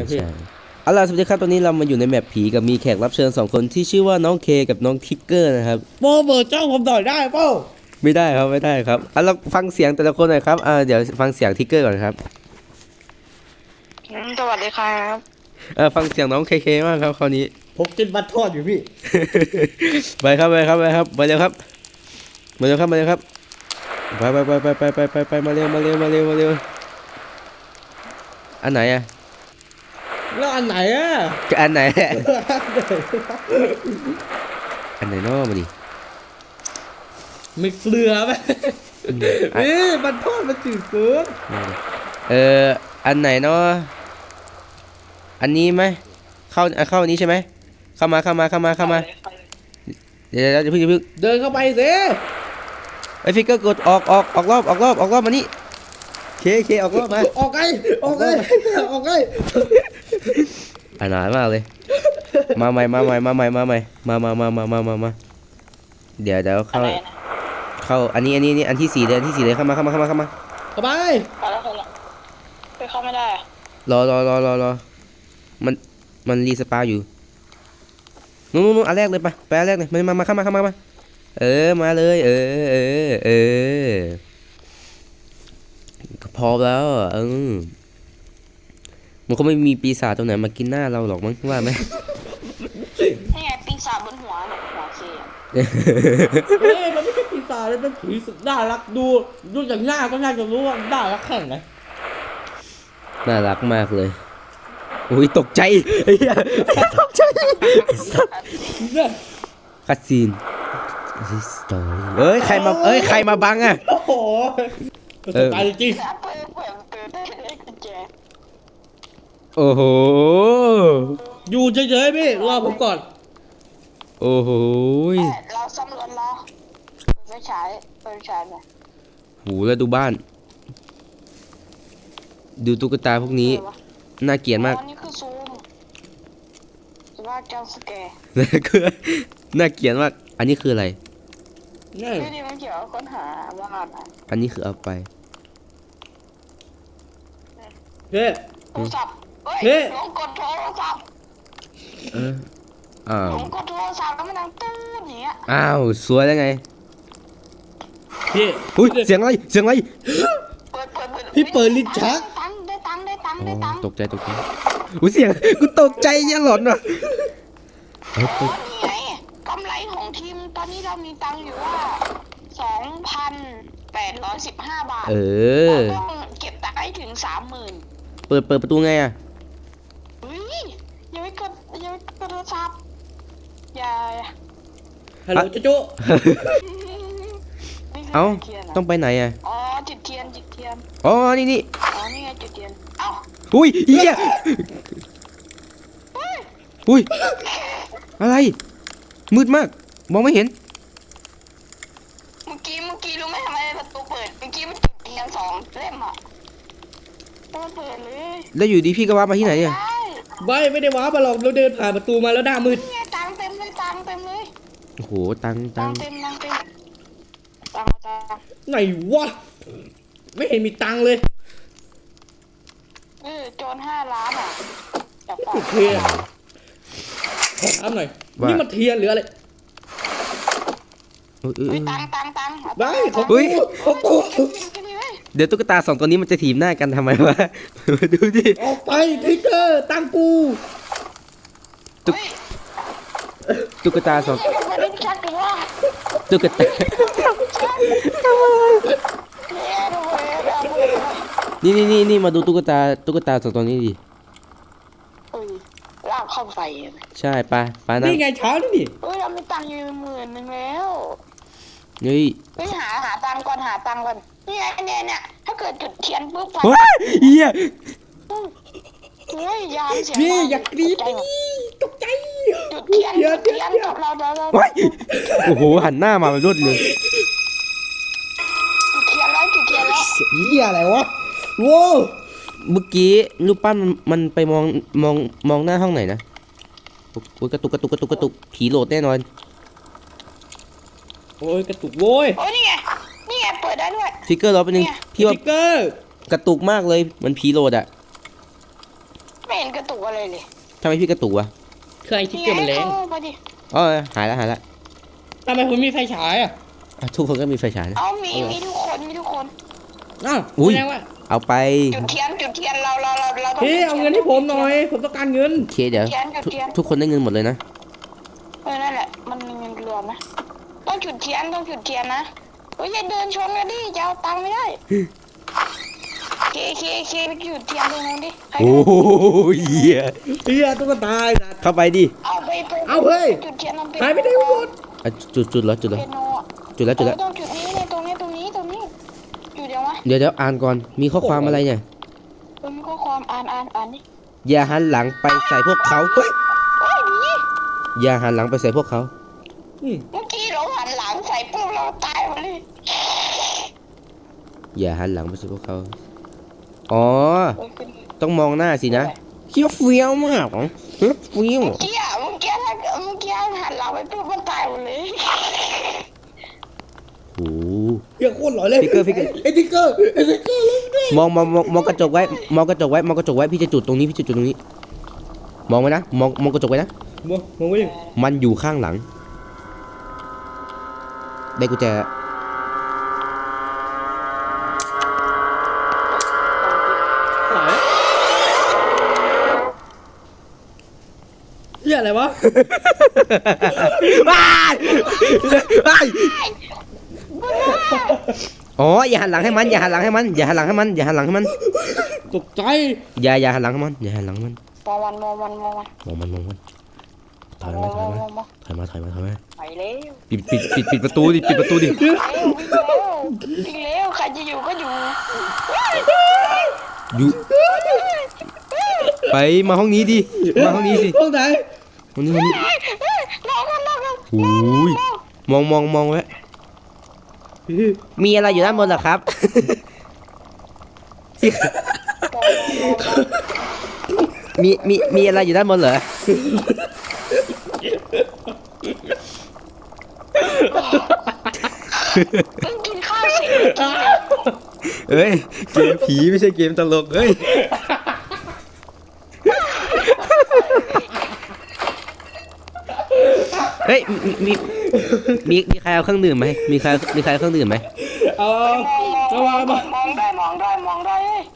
ใช่เอาล่ะสวัสดีครับตอนนี้เรามาอยู่ในแมปผีกับมีแขกรับเชิญ2คนที่ชื่อว่าน้องเคกับน้องทิกเกอร์นะครับโปรเบิร์เจ้าผมหน่อยได้เปล่าไม่ได้ครับไม่ได้ครับเราฟังเสียงแต่ละคนหน่อยครับเดี๋ยวฟังเสียงทิกเกอร์ก่อนครับสวัสดีครับฟังเสียงน้องเคมากครับคราวนี้ผมกินบัตรทอดอยู่พี่ไปครับไปเร็วครับมาเร็วครับมาเร็วครับไปมาเร็วมาเร็วอันไหนอ่ะแล้วอันไหนอ่ะอันไหนอันไหนน้อมาดิมีเกลือไหมบัตรทอดมันจืดเกินอันไหนเนาะอันนี้ไหมเข้าอันนี้ใช่ไหมเข้ามาเดี๋ยวเพิ่งเดินเข้าไปสิไอ้ฟิกเกอร์กดออกรอบมานี่เคออกรอบมาออกไงอันหนามากเลยมาใหม่เดี๋ยวเข้าอันนี้อันที่4เลยเข้ามาเข้าไปไปแล้วไปเข้าไม่ได้รอมันรีสปาอยู่นู้นอันแรกเลยไปอันแรกเลยมาเข้ามามาเลยพอแล้วมันก็ไม่มีปีศาจตรงไหนมากินหน้าเราหรอกมั้งว่าไหมนี่ไงปีศาจบนหัวเนี่ยหัวเคมันไม่ใช่ปีศาจเลยเป็นผีสุดน่ารักดูจากหน้าก็น่าจะรู้ว่าน่ารักแค่ไหนน่ารักมากเลยอุ้ยตกใจตกใจคัสซีนสตอรี่ใครมาบังอ่ะโอ้โหตกใจจริงโอ้โหอยู่เฉยๆพี่รอผมก่อนโอ้โหเราซ่อมรถรอไม่ใช้เลยหูแล้วดูบ้านดูตุ๊กตาพวกนี้น่าเกลียดมากนี่คือซูมจะว่าจังสแกร์น่าเกลียดมากอันนี้คืออะไรนี่มันเกี่ยวกับค้นหาว่าอันนี้คือเอาไปเฮ้โทรศัพท์เฮ้ยลงกดโทรศัพท์ลงกดโทรศัพท์แล้วมันดังตื้ออย่างเงี้ยอ้าวสวยแล้วไงพี่อุ้ยเสียงอะไรพี่เปิดลิ้นชักได้ตังค์ตกใจอุ้ยเสียงกูตกใจยังหลอนว่ะนี่ไงกำไรของทีมตอนนี้เรามีตังค์อยู่ว่า 2,815 บาทต้องเก็บตังค์ให้ถึง 30,000 เปิดประตูไงอ่ะยังไม่กดโทรศัพท์อย่าฮัลโหลจุ๊เอ้าต้องไปไหนอ่ะอ๋อจุดเทียนอ๋อนี่อ๋อนี่ไงจุดเทียนเอ้าอุ้ยเหี้ยอุ้ยอะไรมืดมากมองไม่เห็นเมื่อกี้รู้ไหมทำไมประตูเปิดเมื่อกี้มันจุดเทียน2 เล่มอ่ะมันเปิดเลยแล้วอยู่ดีพี่ก็ว่ามาที่ไหนเนี่ยไม่ได้ว้ามาหรอกเราเดินผ่านประตูมาแล้วหน้ามืดตังเต็มเลยโอ้โหตังเต็มไหนวะไม่เห็นมีตังเลยโจร5 ล้านอ่ะโอเคขอถามหน่อยนี่มันเทียนหรืออะไรตังได้ของกูเดี๋ยวตุ๊กตา2ตัวนี้มันจะถีบหน้ากันทำไมวะดูดิออกไปทิกเกอร์ตังกูตุ๊กตา2ตุ๊กตานี่มาดูตุ๊กตา2ตัวนี้ดิลากเข้าไปใช่ปะนี่ไงเช้านี่เรามีตังค์อยู่10,000แล้วนี่หาตังค์ก่อนนี่ไงเนี่ยถ้าเกิดจุดเทียนปุ๊บไฟเหี้ยยามเสียงพี่อยากกรี๊ดตกใจจุดเทียนกับเราโอ้โหหันหน้ามาเป็นรวดเลยจุดเทียนแล้วเหี้ยอะไรวะโว้เมื่อกี้รูปปั้นมันไปมองหน้าห้องไหนนะกระตุกผีโหลดแน่นอนโอ้ยกระตุกโว้ยนี่ไงเปิดได้ด้วยฟิกเกอร์รอไปนึงพี่ว่าฟิกเกอร์กระตุกมากเลยมันผีโหลดอ่ะไม่เห็นกระตุกอะไรเลยทำไมพี่กระตุกวะเครื่องไอ้ทิกเกอร์มันแรงเข้าไปดิอ๋อหายแล้วทำไมผมมีไฟฉายอ่ะอ่ะทุกคนก็มีไฟฉายนะเอามีทุกคนมีทุกคนอ้าวอุ้ยแสดงว่าเอาไปจุดเทียนเราต้องพี่เอาเงินให้ผมหน่อยผมต้องการเงินโอเคเดี๋ยวจุดเทียนทุกคนได้เงินหมดเลยนะนั่นแหละมันมีเงินรวมนะต้องจุดเทียนนะเฮ้ยอย่าเดินชนกันดิจะเอาตังค์ไม่ได้เคไปจุดเทียนตรงนั้นดิโอ้ยเหี้ยเฮียตุ๊กตาไอ้สัตว์เข้าไปดิเอาไปเอาเฮ้ยจุดเทียนทำเป็นหายไปไหนหมดอ่ะจุดแล้วเปียโนอะจุดแล้วต้องจุดนี้เนี่ยตรงนี้จุดเดี๋ยววะเดี๋ยวอ่านก่อนมีข้อความอะไรเนี่ยมีข้อความอ่านดิอย่าหันหลังไปใส่พวกเขาเฮ้ยโอ้ยดีอย่าหันหลังไปใส่พวกเขาเมื่อกี้เราหันหลังใส่ปุ๊บเราตายหมดเลยอย่าหันหลังไปใส่พวกเขาอ๋อเฮ้ยขึ้นต้องมองหน้าสินะเขี้ยวเฟี้ยวมากเหรอเฮ้ยเฟี้ยวเมื่อกี้หันหลังไปปุ๊บมันตายหมดเลยโอ้โหเฮียโคตรหล่อเลยฟิกเกอร์ไอ้ทิกเกอร์ลงด้วยมองกระจกไว้มองกระจกไว้พี่จะจุดตรงนี้มองไว้นะมองกระจกไว้นะมองไว้ดิมันอยู่ข้างหลังได้กุญแจเฮียอะไรวะว้ายอ๋ออย่าหันหลังให้มันอย่าหันหลังให้มันตกใจอย่าหันหลังให้มันมองมันถอยมาไปเร็วปิดประตูดิวิ่งแล้วใครจะอยู่ก็อยู่อยู่ไปมาห้องนี้ดิมาห้องนี้สิห้องไหนห้องนี้น้องโอ้ยมองไว้มีอะไรอยู่ด้านบนเหรอครับ มีอะไรอยู่ด้านบนเหรอเพิ่งกินข้าวเสร็จเอ้ยเกมผีไม่ใช่เกมตลกเอ้ยเฮ้ยมีใครเอาเครื่องดื่มไหมมีใครเอาเครื่องดื่มไหมเอามามองได้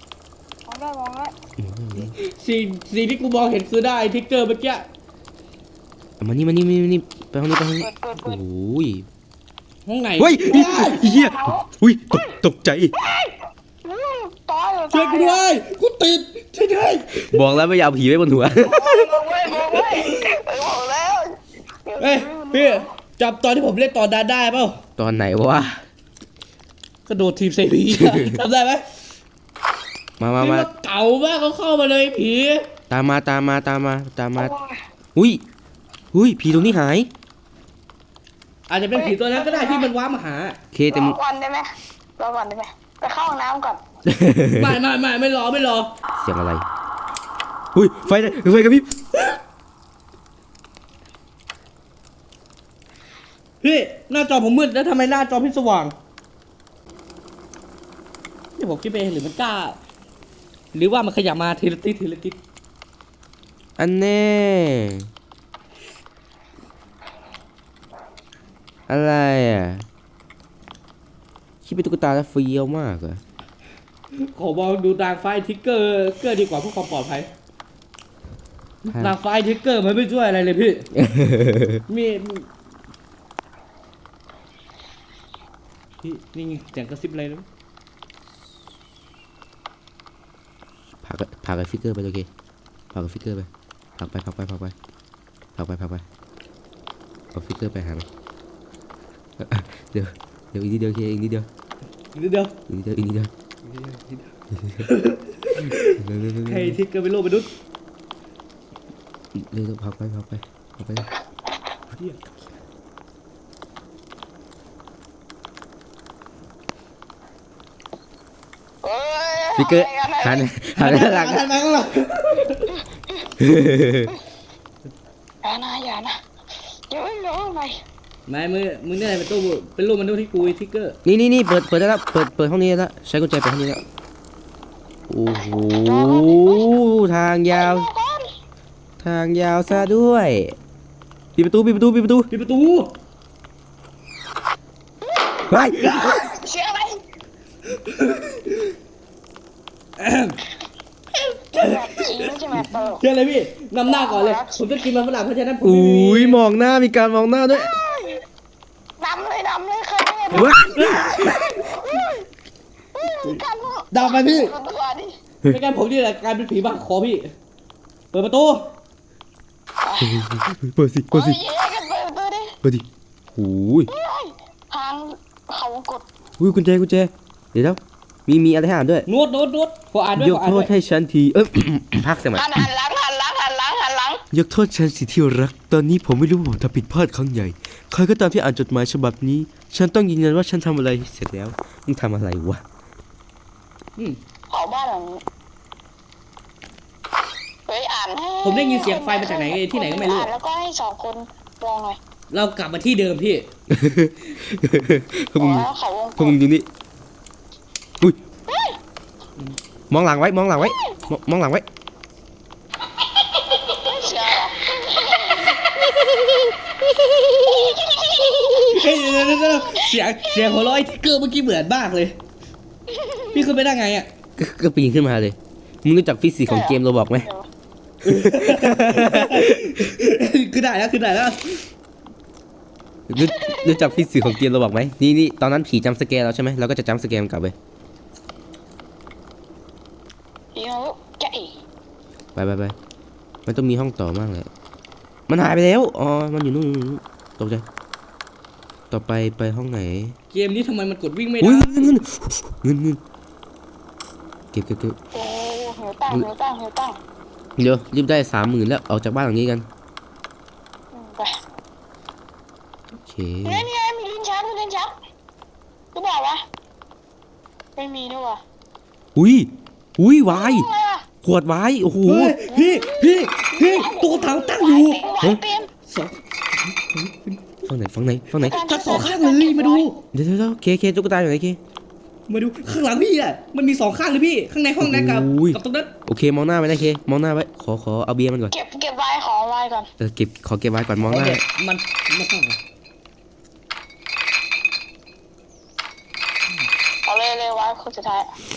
สิ่งที่กูมองเห็นคือได้ทิกเกอร์เมื่อกี้เอามานี่ไปห้องนี้เปิดโอ้ยห้องไหนเฮ้ยเฮียอุ้ยตกใจตายช่วยกูด้วยกูติดช่วยด้วยบอกแล้วไม่อยากเอาผีไว้บนหัวมองไว้บอกแล้วเฮ้ยพี่จับตอนที่ผมเล่นตอนนั้นได้เปล่าตอนไหนวะกระโดดทีมเซรีจำได้ไหมมานี่นเก่ามากเขาเข้ามาเลยผีตามมาอุ้ยผีตรงนี้หายอาจจะเป็นผีตัวนั้นก็ได้ที่มันว้ามาหาเคแต่รมึอง ก่อนได้ไหมไปเข้าห้องน้ำก่อนไม่รอเสียงอะไรอุ้ยไฟกระพริบพี่หน้าจอผมมืดแล้วทำไมหน้าจอพี่สว่างนี่ผมคิดไปเองหรือมันกล้า หรือว่ามันขยับมาทีละติดอันแน่อะไรอ่ะคิดเป็นตุ๊กตาแล้วเฟี้ยวมากเหรอขอบอกดูนางไฟทิกเกอร์ดีกว่าเพื่อความปลอดภัยนางไฟทิกเกอร์มันไม่ช่วยอะไรเลยพี่ มีพี่นี่ไงเสียงกระซิบอะไรนะพากับฟิกเกอร์ไปโอเคพากับฟิกเกอร์ไปพักไปเอาฟิกเกอร์ไปหามันเดี๋ยวอีกนิดเดียวเคอีกนิดเดียวใครทิกเกอร์เป็นโลกมนุษย์เร็วพักไป ฟิกเกอร์หันหน้าหลังหันมาข้างหลังอย่านะเดี๋ยวไม่รู้ไปไม่มึงเนี่ยเป็นรูปมนุษย์ที่กูทิกเกอร์นี่เปิดได้แล้วเปิดห้องนี้แล้วใช้กุญแจเปิดห้องนี้แล้วโอ้โหทางยาวทางยาวซะด้วยปิดประตูปิดประตูปิดประตูปิดประตูไปเสียงอะไรจริงไม่ใช่ไหมตลกเชื่อเลยพี่นำหน้าก่อนเลยผมจะกินมันฝรั่งเพราะฉะนั้นผมอุ้ยมองหน้ามีการมองหน้าด้วยดำเลยเคยได้ไงว้ามีการดาวไปพี่ตัวดิไม่งั้นผมนี่แหละกลายเป็นผีบ้าคอพี่เปิดประตูเปิดสิเปิดสิเย้กันเปิดตัวดิเปิดดิโอ้ยทางเขากดอุ้ยกุญแจกุญแจเดี๋ยวมีอะไรให้อ่านด้วยโน้ตขออ่านด้วยยกขออ่านโทด้วษยให้ฉันที พักสมัยหันหลังยกโทษฉันสิที่รัก ตอนนี้ผมไม่รู้ว่าผมทำผิดพลาดครั้งใหญ่ ใครก็ตามที่อ่านจดหมายฉบับนี้ ฉันต้องยืนยันว่าฉันทำอะไรเสร็จแล้ว มึงทำอะไรวะเผาบ้านหลังนี้เฮ้ยอ่านให้ผมได้ยินเสียงไฟมาจากไหนที่ไหนก็ไม่รู้อ่านแล้วก็ให้2 คนลองหน่อยเรากลับมาที่เดิมพี่พวกมึงแล้วเขาวงพวกมึงดูนี่อุ้ย มองหลังไว้ มองหลังไว้ มองหลังไว้เสียงเฮ้ยเดี๋ยวเสียงหัวเราะไอ้ทิกเกอร์เมื่อกี้เหมือนมากเลย พี่ขึ้นไปได้ไงอ่ะก็ปีนขึ้นมาเลย มึงรู้จักฟิสิกส์ของเกมโรบอกไหมขึ้นได้แล้วรู้จักฟิสิกส์ของเกมโรบอกไหมนี่ตอนนั้นผีจำสแกร์เราใช่ไหมเราก็จะจำสแกร์กลับไปเดี๋ยวจะอีไปมันต้องมีห้องต่อมากเลยมันหายไปแล้ว อ๋อ มันอยู่นู่นตกใจ ต่อไปห้องไหนเกมนี้ทำไมมันกดวิ่งไม่อุ้ได้ยเงินเก็บโอ้หิวตั้งเดี๋ยวรีบได้30,000แล้วออกจากบ้านหลังนี้กันไปโอเคนี่มีลิ้นชักก็บอกว่าไม่มีด้วยว่ะอุ้ยวายอะไรอ่ะขวดวายโอ้โหเฮ้ยพี่ตัวถังตั้งอยู่เต็มสองฝั่งไหนทั้งสองข้างเลยมาดูเดี๋ยวเคตุ๊กตาอยู่ไหนเคมาดูข้างหลังพี่อ่ะมันมี2ข้างเลยพี่ข้างในห้องนั้นกับอุ้ยกับตรงนั้นโอเคมองหน้าไว้นะเคมองหน้าไว้ขอเอาเบียร์มันก่อนเก็บไว้ของไว้ก่อนขอเก็บไว้ก่อนมองหน้ามันข้างเอาเลยไว้คนสุดท้าย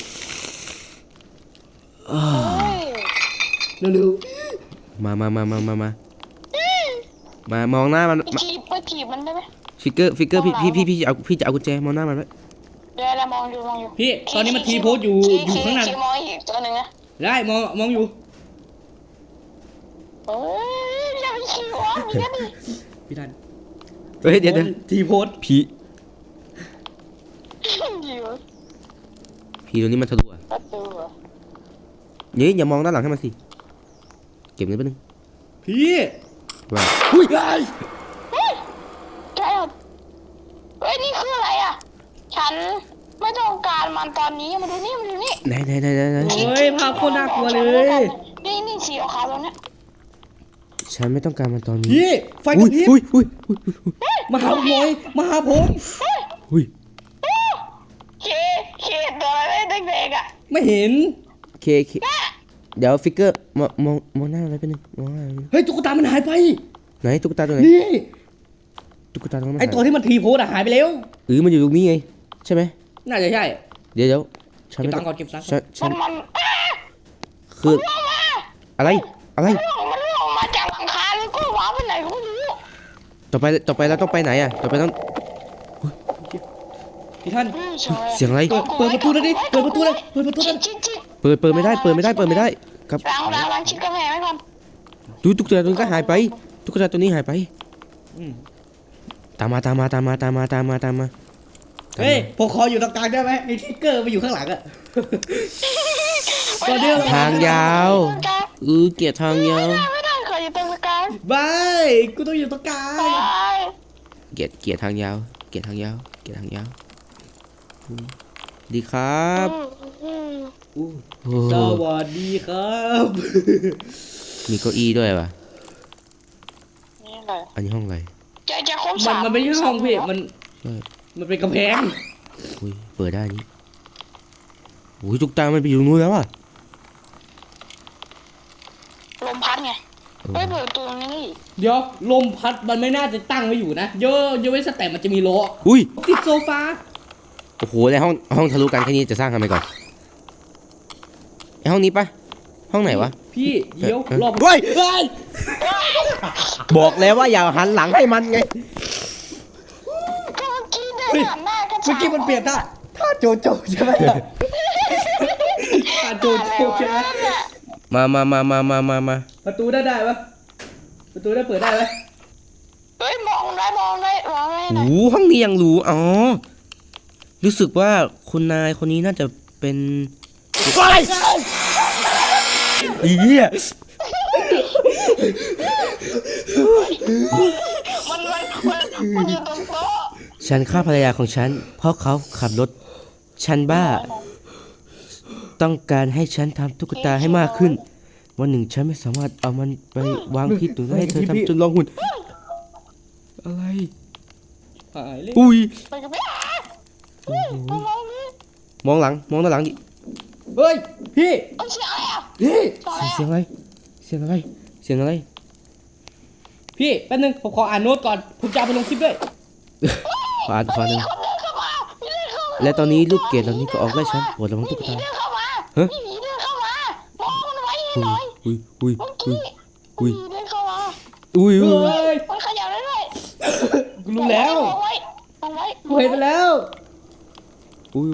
อ้าวเร็วมามองหน้ามันไปถีบมันได้ไหมฟิกเกอร์พี่จะเอากุญแจมองหน้ามันไว้เดี๋ยวเรามองอยู่ๆพี่ตอนนี้มันทีโพสอยู่ข้างหน้ามองอีกตัวหนึ่งนะได้มองอยู่เฮ้ยอย่าไปขี่วะมีแค่นี้พี่ทันเฮ้ยเดี๋ยวทีโพสผีอยู่ตัวนี้มันทะลุอ่ะประตูเหรอนี่อย่ามองด้านหลังให้มันสิเก็บเงินแป๊บนึงพี่ว่าอุ้ยใช่เฮ้ยนี่คืออะไรอ่ะฉันไม่ต้องการมันตอนนี้มาดูนี่ไหนโอ้ยภาพโคตรน่ากลัวเลยนี่สีขาวตรงเนี้ยฉันไม่ต้องการมันตอนนี้พี่ไฟกระพริบอุ้ยมาหาผมหน่อยมาหาผมอุ้ยเคตัวอะไรเด็กๆอ่ะไม่เห็นเคเดี๋ยวฟิกเกอร์มองหน้าอะไรไปบนึงมองหน้าอะไรแป๊บนึงเฮ้ยตุ๊กตามันหายไปไหนตุ๊กตาตัวไหนนี่ตุ๊กตาตัวนั้นไอตัวที่มันทีโพสอะหายไปแล้วมันอยู่ตรงนี้ไงใช่ไหมน่าจะใช่เดี๋ยวฉันเก็บไม่ตัต้อง งค์ก่อนเก็บตังค์ก่อนฉันมันคืออะไรมันลงมาจากหลังคาแล้วก็ว้าไปไหนก็ไม่รู้ต่อไปเราต้องไปไหนอ่ะต่อไปต้องพี่ท่านเสียงอะไรเปิดประตูเลยดิเปิดประตูเลยเปิดประตูเลยชิดเปิดไม่ได้ครับล้างชิดกระแพงไว้ก่อนดูตุ๊กตาตัวนี้ก็หายไปตุ๊กตาตัวนี้หายไปอืมตามมาเฮ้ยผมขออยู่ตรงกลางได้ไหมไอทิกเกอร์ไปอยู่ข้างหลังอะตอนนี้ทางยาวเกลียดทางยาวไม่ได้ขออยู่ตรงกลางบายกูต้องอยู่ตรงกลางไปเกลียดทางยาวดีครับโอ้สวัสดีครับมีเก้าอี้ด้วยว่ะนี่เลยอันนี้ห้องอะไรจะครบสามมันไม่ใช่ห้องพี่มันใช่มันเป็นกำแพงอุ้ยเปิดได้นี่อุ้ยตุ๊กตามันไปอยู่ตรงนู้นแล้วอ่ะลมพัดไงเฮ้ยเปิดประตูตรงนี้ดิเดี๋ยวลมพัดมันไม่น่าจะตั้งไว้อยู่นะเยอะไว้สแตปมันจะมีล้ออุ้ยติดโซฟาโอ้โหในห้องทะลุกันแค่นี้จะสร้างทำไมก่อนไอห้องนี้ปะห้องไหนวะพี่เดี๋ยวรอบเฮ้ยเฮ้ยบอกแล้วว่าอย่าหันหลังให้มันไงก็เมื่อกี้เดินหันหน้ากันเมื่อกี้มันเปลี่ยนท่าท่าโจโจใช่ไหมท่าโจโจใช่ไหมมาประตูได้ปะประตูได้เปิดได้ไหมเฮ้ยมองได้หน่อยโอ้ห้องนี้ยังรู้อ๋อรู้สึกว่าคุณนายคนนี้น่าจะเป็นอีเหี้ยมันอยู่ตรงโต๊ะฉันฆ่าภรรยาของฉันเพราะเขาขับรถฉันบ้า ต้องการให้ฉันทำตุ๊กตาให้มากขึ้น วันหนึ่งฉันไม่สามารถเอามันไปวางที่ตัวให้เธอทำจนลองหุ่นอะไรหายเลยอุ้ยไปกับพี่โอ้โหมองนี่มองหลังมองด้านหลังดิเฮ้ยพี่เอาเสียงอะไรอ่ะพี่เสียงอะไรเสียงอะไรเสียงอะไรพี่แป๊บนึงผมขออ่านโน้ตก่อนผมจะเอาไปลงคลิปด้วยขวาหนึ่งคนเดินเข้ามาพี่เดินเข้ามาและตอนนี้ลูกเกดเหล่านี้ก็ออกไล่ฉันปวดระวังตุ๊กผีตาเดินเข้ามาฮะผีเดินเข้ามามองมันไว้ให้หน่อยอุ้ยเมื่อกี้อุ้ยผีเดินเข้ามาอุ้ยเฮ้ยมันขยับได้ด้วยกูรู้แล้วมองไว้มองไว้กูเห็นไปแล้วอุ้ย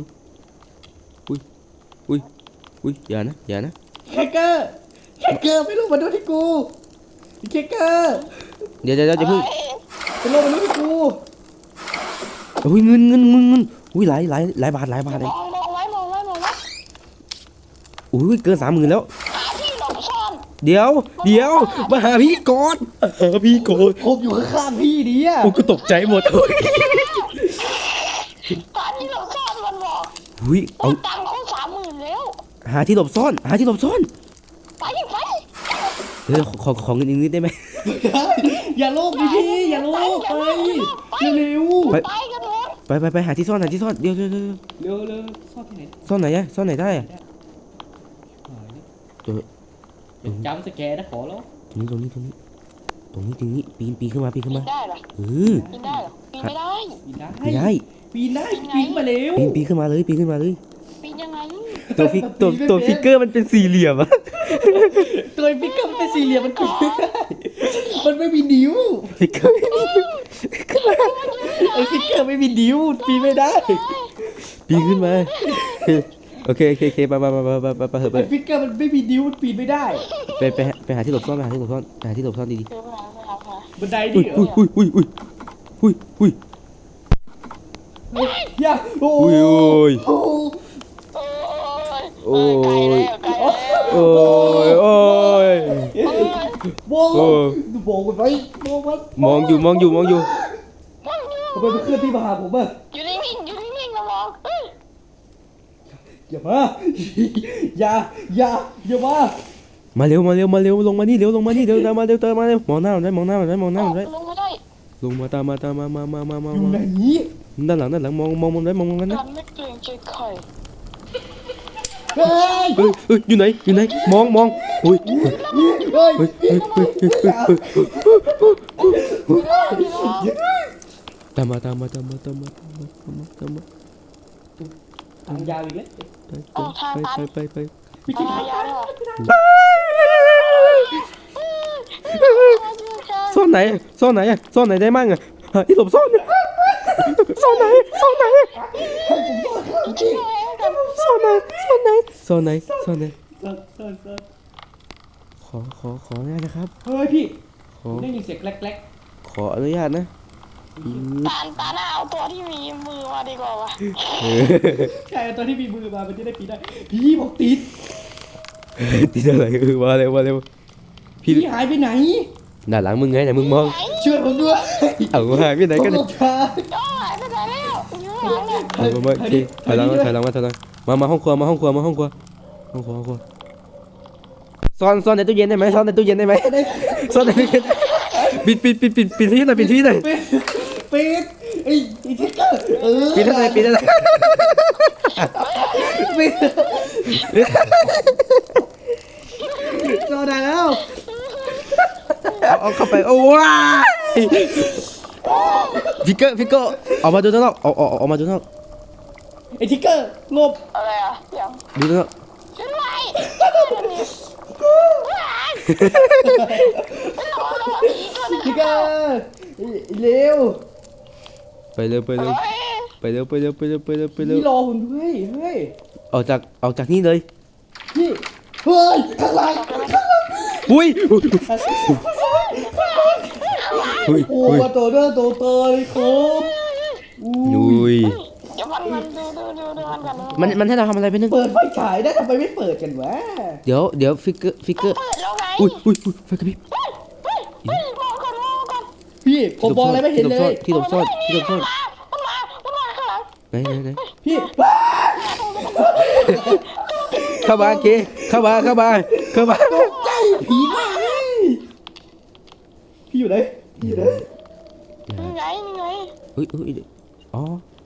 อย่านะแคคเกอร์ไม่รู้มาดูที่กูแคคเกอร์เดี๋ยวอย่าเพิ่งไปลงมาดูที่กูอุ้ยเงินอุ้ยหลายบาทเลยมองไว้อุ้ยเกิน30,000แล้วหาที่หลบซ่อนเดี๋ยวมาหาพี่ก่อนพี่ก่อนผมอยู่ข้างๆพี่ดิอ่ะกูตกใจหมดหาที่หลบซ่อนมันบอกอุ้ยเอาตังค์เขา30,000แล้วหาที่หลบซ่อนไปขอเงินอีกนิดได้ไหมอย่าโลกดิพี่อย่าโลกไปเร็วไปไปกันหมดไปหาที่ซ่อนเดี๋ยวเร็วซ่อนที่ไหนซ่อนไหนอะซ่อนไหนได้อะตัวเป็นจำสแกร์นะขอแล้วตรงนี้ปีนขึ้นมาปีนได้เหรอเออปีนได้เหรอปีนไม่ได้ปีนได้ไม่ได้ปีนได้ปีนมาเร็วปีนขึ้นมาเลยปีนยังไงตัวฟิกเกอร์มันเป็นสี่เหลี่ยมอะตัวฟิกเกอร์มันเป็นสี่เหลี่ยมมันปีนไม่ได้มันไม่มีนิ้วฟิกเกอร์ไอ้ฟิกเกอร์ไม่มีนิ้วปีนไม่ได้ปีนขึ้นมาโอเคไปเถอะไอ้ฟิกเกอร์มันไม่มีนิ้วมันปีนไม่ได้ไปหาที่หลบซ่อนดีบันไดๆดิอุ้ยอย่าโอ้อุ้ยโหโอ้ยไกลแล้วโอ้ยโว้ดูโบกมันไว้โบกมันมองอยู่ทำไมมันเคลื่อนที่มาหาผมอ่ะอยู่นิ่งๆนะมองอย่ามาอย่ามามาเร็วลงมานี่เร็วมาเร็วมองหน้ามันได้ลงไม่ได้ลงมาตามมาอยู่ไหนด้านหลังมองมันได้นะกันไม่เกรงใจใครเฮ้ยอยู่ไหนมองอุ้ยเฮ้ยตามมาทางยาวอีกแล้วไปพี่คิดตายาวเลยเหรอซ่อนไหนได้มั่งอะที่หลบซ่อนซ่อนไหนจริงเลยกันซ่อนไหนซ่อนขออนุญาตนะครับเฮ้ยพี่ขอได้ยินเสียงแกลกขออนุญาตนะตาหน้าเอาตัวที่มีมือมาดีกว่าวะใช่ตอนที่มีมือมามันจะได้ปีนได้พี่บอกติดติดอะไรมาเร็วพี่หายไปไหนด้านหลังมึงไงแต่มึงมองช่วยผมด้วยเอาหายไปไหนกันหลเนี่ยบทางก็หายไปไหนแล้วอยู่หลังเนี่ยมาโอเคถอยหลังมาห้องครัวซ่อนในตู้เย็นได้ไหมซ่อนในตู้เย็นปิดที่หน่อยปิดไอ้ทิกเกอร์ปิดที่ไหนปิดโซดาแล้วเอาเข้าไปโอ้ว้ายฟิกเกอร์ออกมาดูด้านนอกออกมาดูด้านนอกไอ้ทิกเกอร์หลบอะไรอ่ะยังดูด้านนอกช่วยด้วยผีตัวนึงทิกเกอร์เร็วไปเร็วเฮ้ยพี่รอผมด้วยเฮ้ยออกจากนี่เลยพี่เฮ้ยข้างหลังอุ้ยโอ้มาตัวเด้อตัวเตยครับอุ้ยเดี๋ยวมันดูมันกันมันให้เราทำอะไรไปนึงเปิดไฟฉายได้ทำไมไม่เปิดกันวะเดี๋ยวฟิกเกอร์เปิดแล้วไงอุ้ยไฟกระพริบมองก่อนพี่ผมมองอะไรไม่เห็นเลยที่หลบซ่อนมันมาข้างหลังไหนพี่เข้ามาเคเข้ามาใจผีมากเลยพี่อยู่ไหนนี่ไงอุ้ยอ๋อ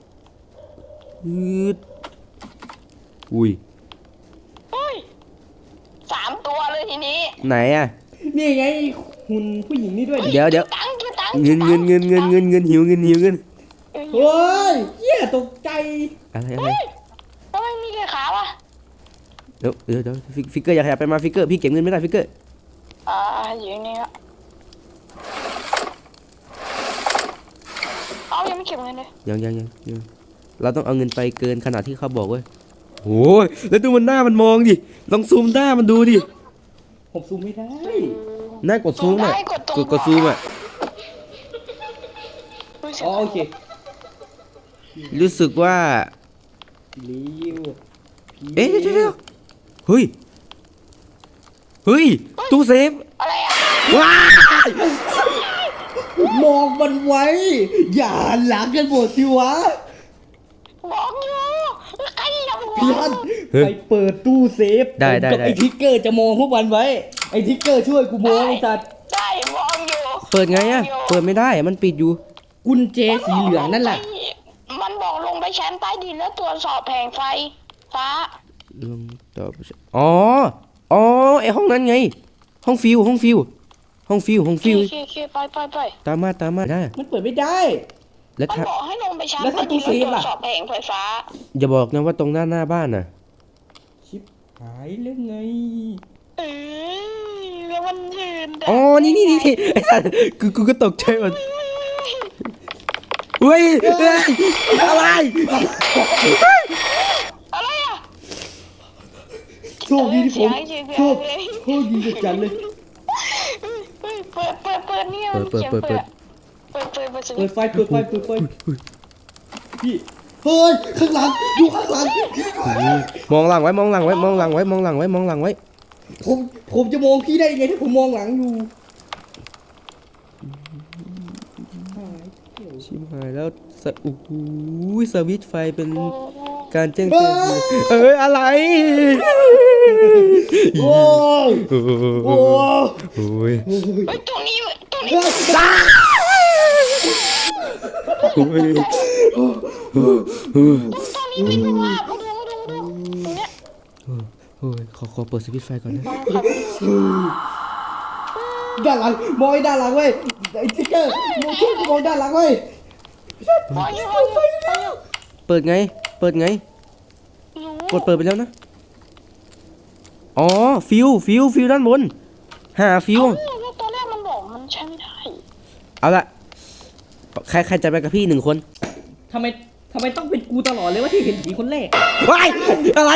อุ้ย 3 ตัวเลยทีนี้ไหนอ่ะนี่ไงหุ่นผู้หญิงนี่ด้วยเดี๋ยวตังค์เงินหิวเงินเฮ้ยเหี้ยตกใจอะไรทำไมมีแค่ขาวะเดี๋ยวฟิกเกอร์อย่าขยับไปมาฟิกเกอร์พี่เก็บเงินไม่ได้ฟิกเกอร์อยู่นี่ครับเอายังไม่เก็บเงินเลยยังเราต้องเอาเงินไปเกินขนาดที่เขาบอกเว้ยโอ้ยแล้วดูมันหน้ามันมองดิลองซูมหน้ามันดูดิผมซูมไม่ได้หน้ากดซูมอ่ะกดซูมอ่ะอ๋อโอเครู้สึกว่าลิ้วเอ๊ะเดี๋ยวเฮ้ยตู้เซฟอะไรอ่ะว้ายมองมันไว้ อย่าหันหลังกันหมดสิวะบอกอยู่ใครอย่าบอกพี่ฮันไปเปิดตู้เซฟได้กับไอ้ทิกเกอร์จะมองพวกมันไว้ ไอ้ทิกเกอร์ช่วยกูมองไอ้สัตว์ได้มองอยู่เปิดไงอ่ะเปิดไม่ได้มันปิดอยู่กุญแจสีเหลืองนั่นแหละมันบอกลงไปชั้นใต้ดินแล้วตรวจสอบแผงไฟฟ้าลงต่ออ๋อไอห้องนั้นไง ห้องฟิวโอเคไปตามมาได้มันเปิดไม่ได้แล้วมันถ้าบอกให้ลงไปชั้นแล้วใต้ถ้าตู้ดินเซแล้วฟตรวล่ะจสอบแผงไฟฟ้าอย่าบอกนะว่าตรงหน้าบ้านน่ะชิบหายเรื่องไงเออแล้วมันยืนอ๋อนี่ไอ้สัสกูก็ตกใจหมดเฮ้ยอะไรอะไรอ่ะโชคดีที่ผมเสียงโชคดีจัดเลยเปิดเนี่ยเปิดเปิดเปิดไฟพี่เฮ้ยข้างหลังดูข้างหลังมองหลังไว้มองหลังไว้ผมจะมองพี่ได้ยังไงถ้าผมมองหลังอยู่ชิบหายแล้วโอ้โหสวิตช์ไฟเป็นการแจ้งเตือนอะไรโอ้ยโอ้ยโอ้ยเฮ้ยตรงนี้เฮ้ยโอ้ยไม่เป็นว่ามาดูตรงเนี้ยโอ้ยขอเปิดสวิตช์ไฟก่อนนะด้านหลังมองไอ้ด้านหลังเว้ยไอ้ติ๊กเกอร์มองช่วยกูมองด้านหลังเว้ยมองอยู่เปิดไงกดเปิดไปแล้วนะอ๋อฟิวด้านบนหาฟิวตอนแรกมันบอกมันใช้ไม่ได้เอาละใครจะไปกับพี่1 คนทำไมต้องเป็นกูตลอดเลยว่าที่เห็นผีคนแรกว้ายอะไร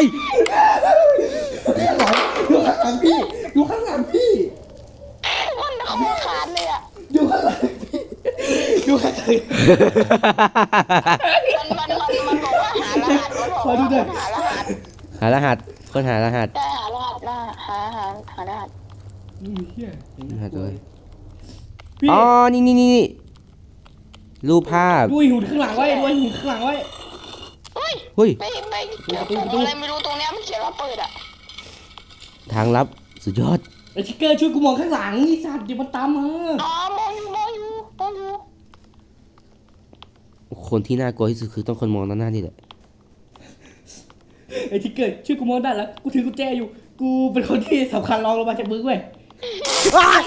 ดูข้างหลังพี่ดูข้างหลังพี่มันคอขาดเลยอ่ะดูข้างหลังพี่ดูข้างหลังมันบอกว่าหารหัสมันบอกว่าหารหัสหารหัสได้หารหัสหารหัสเฮียรหัสเลยพี่อ๋อนี่รูปภาพดูหุ่นข้างหลังไว้ดูหุ่นข้างหลังไว้เฮ้ยเฮ้ยไปอะไรไม่รู้ตรงเนี้ยมันเขียนว่าเปิดอ่ะทางลับสุดยอดไอ้ชิคเกอร์ช่วยกูมองข้างหลังไอ้สัตว์อย่ามาตามมาอ๋อมองอยู่คนที่น่ากลัวที่สุดคือต้องคนมองหน้านี่แหละไอ้ชิคเกอร์ช่วยกูมองด้านหลังกูถือกุญแจอยู่ กูเป็นคนที่สำคัญรองลงมาจากมือเว้ยเว้าย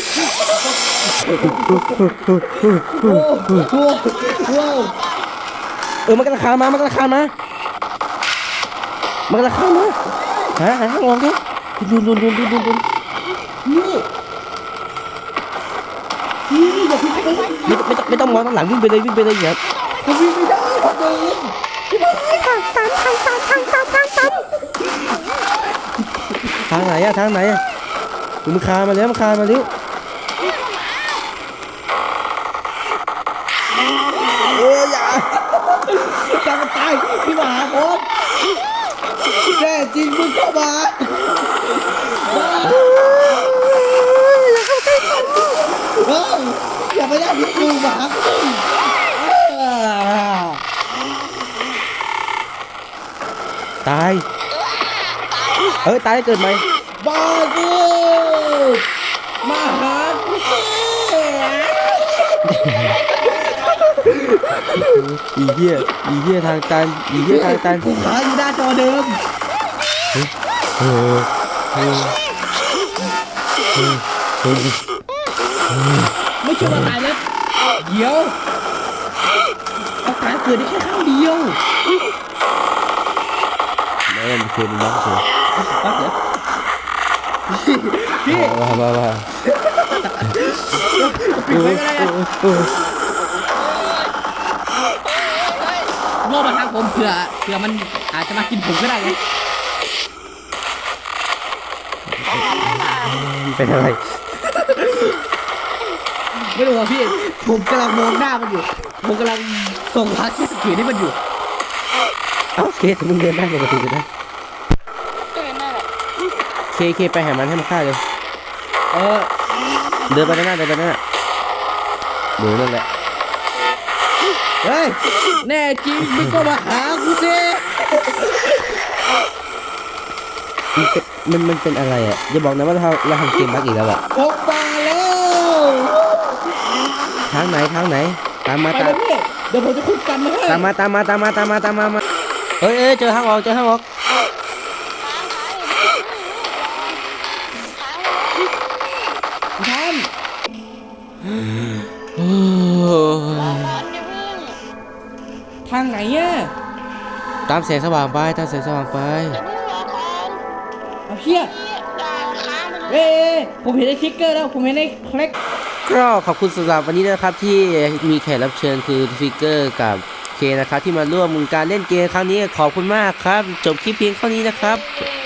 โอ้โหโอ้มันกำลังคานมามันกำลังคานมาหาทางออกดิดุนนี่อย่าทิ้งไปเลยไม่ต้องมองข้างหลังวิ่งไปเลยครับผมวิ่งไม่ได้ผมเดินทางไหนอะมันคานมาแล้ว อย่าจะมาตายพี่มาหาผมแน่จริงมึงเข้ามาอย่าไปได้พี่ดูหมาตายตายเกิดใหม่บ้ากูมาหากูสิอีเหี้ยทางตันกูขาอยู่หน้าจอเดิมไม่ใช่ว่าตายแล้วเดี๋ยวอาการเกิดได้แค่ครั้งเดียวแล้วมันคือมันล็อกเลยปั๊บเดี๋ยวพี่ว่าปิดไว้ก็ได้นะล่อมาทางผมเผื่อมันอาจจะมากินผมก็ได้ไงเป็นอะไรไม่รู้ว่าพี่ผมกำลังมองหน้ามันอยู่ผมกำลังส่งพาร์ทที่สกีให้มันอยู่โอเคแต่มึงเดินได้ปกติเลยนะนั่นแหละเคไปหามันให้มันฆ่าเลยเออเดินไปนั่นน่ะเดินนั่นแหละเฮ้ยแน่จริงมึงก็มาหากูสิมันเป็นอะไรอ่ะอย่าบอกนะว่าเราทำเกมบั๊กอีกแล้วอ่ะออกมาแล้วทางไหนตามมาไปเลยพี่เดี๋ยวผมจะคุยกันนะฮะตามมาเฮ้ยเจอทางออกค้างท่านโอ้ยร้อนอย่าเพิ่งทางไหนอ่ะตามแสงสว่างไปอย่าเพิ่งรอก่อนเอาเพี้ยด่าค้างไปเลยเอ้ยผมเห็นไอ้ทิกเกอร์แล้วผมเห็นไอ้คลิกก็ขอบคุณสำหรับวันนี้นะครับที่มีแขกรับเชิญคือฟิกเกอร์กับเคนะครับที่มาร่วมการเล่นเกมครั้งนี้ขอบคุณมากครับ จบคลิปเพียงเท่านี้นะครับเ